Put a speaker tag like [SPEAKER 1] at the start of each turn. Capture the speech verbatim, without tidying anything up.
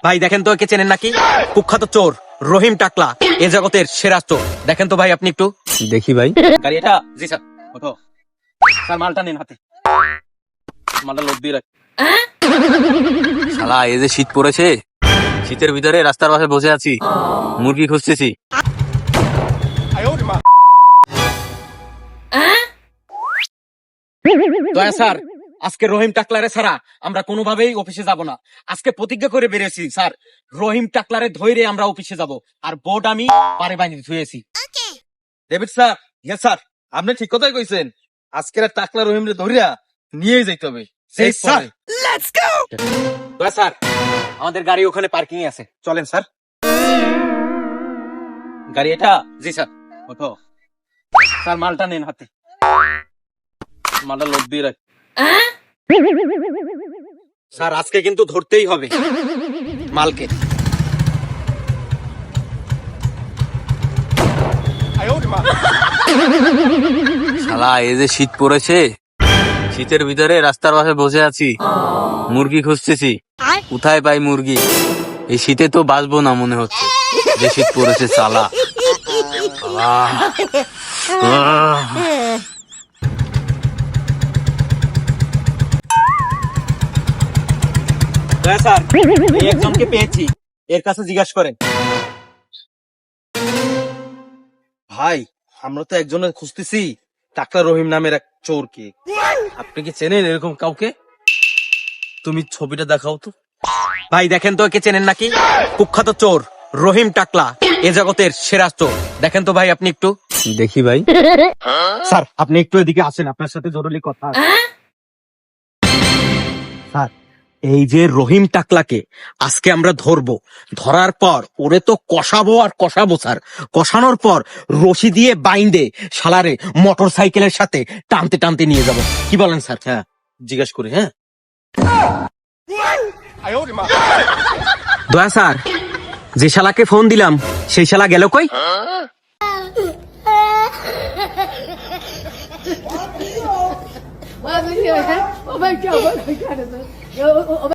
[SPEAKER 1] ভাই দেখেন তো একে চেনেন নাকি? কুখ্যাত চোর রহিম টাকলা, এ জগতের সেরা চোর। দেখেন তো ভাই আপনি একটু
[SPEAKER 2] দেখি ভাই।
[SPEAKER 1] গাড়ি এটা। জি স্যার, ওঠো স্যার, মালটা নিন হাতে, মালটা লোড দিয়ে রাখ।
[SPEAKER 2] শালা এই যে শীত পড়েছে, শীতের ভিতরে রাস্তার পাশে বসে আছি, মুরগি খুঁজতেছি।
[SPEAKER 1] দয়া স্যার, আজকে রহিম টাকলারে ছাড়া আমরা কোনোভাবেই অফিসে যাব না। আজকে প্রতিজ্ঞা করে বেরিয়েছি স্যার, রহিম টাকলারে ধৈরে আমরা অফিসে যাব। আর বোর্ড আমি পারে বাইরে ধুয়েছি।
[SPEAKER 3] ডেভিড স্যার, ইয়েস স্যার, আপনি ঠিক কথাই কইছেন। আজকের টাকলা রহিমরে ধরিয়া নিয়েই যাইতে হবে।
[SPEAKER 1] এই স্যার, লেটস গো। দয়া স্যার, আমাদের গাড়ি ওখানে পার্কিং এ আছে, চলেন স্যার। গাড়ি এটা। জি স্যার, ওঠো স্যার, মালটা নিন হাতে, মালটা লোড দিয়ে রাখ। স্যার আজকে কিন্তু ধরতেই হবে মালকে।
[SPEAKER 2] শালা এই যে শীত পড়েছে, শীতের ভিতরে রাস্তার পাশে বসে আছি, মুরগি খুঁজতেছি। কোথায় পাই মুরগি? এই শীতে তো বাঁচবো না মনে হচ্ছে, যে শীত পড়েছে শালা। আহ, আহ।
[SPEAKER 1] দয়া স্যার, এই একজনকে পেয়েছি, এর কাছে জিজ্ঞাসা করেন।
[SPEAKER 3] ভাই, আমরা তো একজনের খুঁজতেছি, টাকলা রহিম নামের এক চোরকে। আপনি কি চেনেন এরকম কাউকে? তুমি ছবিটা দেখাও তো।
[SPEAKER 1] ভাই দেখেন তো একে চেনেন নাকি? কুখ্যাত চোর রহিম টাকলা, এ জগতের সেরা চোর। দেখেন তো ভাই আপনি একটু
[SPEAKER 2] দেখি ভাই।
[SPEAKER 1] স্যার, আপনি একটু এদিকে আসেন, আপনার সাথে জরুরি কথা আছে। স্যার, এই যে রহিম টাকলাকে আজকে আমরা ধরবো, ধরার পর ওরে তো কষাবো আর কষাবো স্যার। কষানোর পর রশি দিয়ে বাইন্দে শালারে মোটর সাইকেলের সাথে টানতে টানতে নিয়ে যাব। কি বলেন স্যার?
[SPEAKER 3] হ্যাঁ, জিজ্ঞেস করি। হ্যাঁ,
[SPEAKER 1] দয়া স্যার, যে শালাকে ফোন দিলাম সেই শালা গেল কই?
[SPEAKER 4] Oh my God! Oh my God! Oh my God!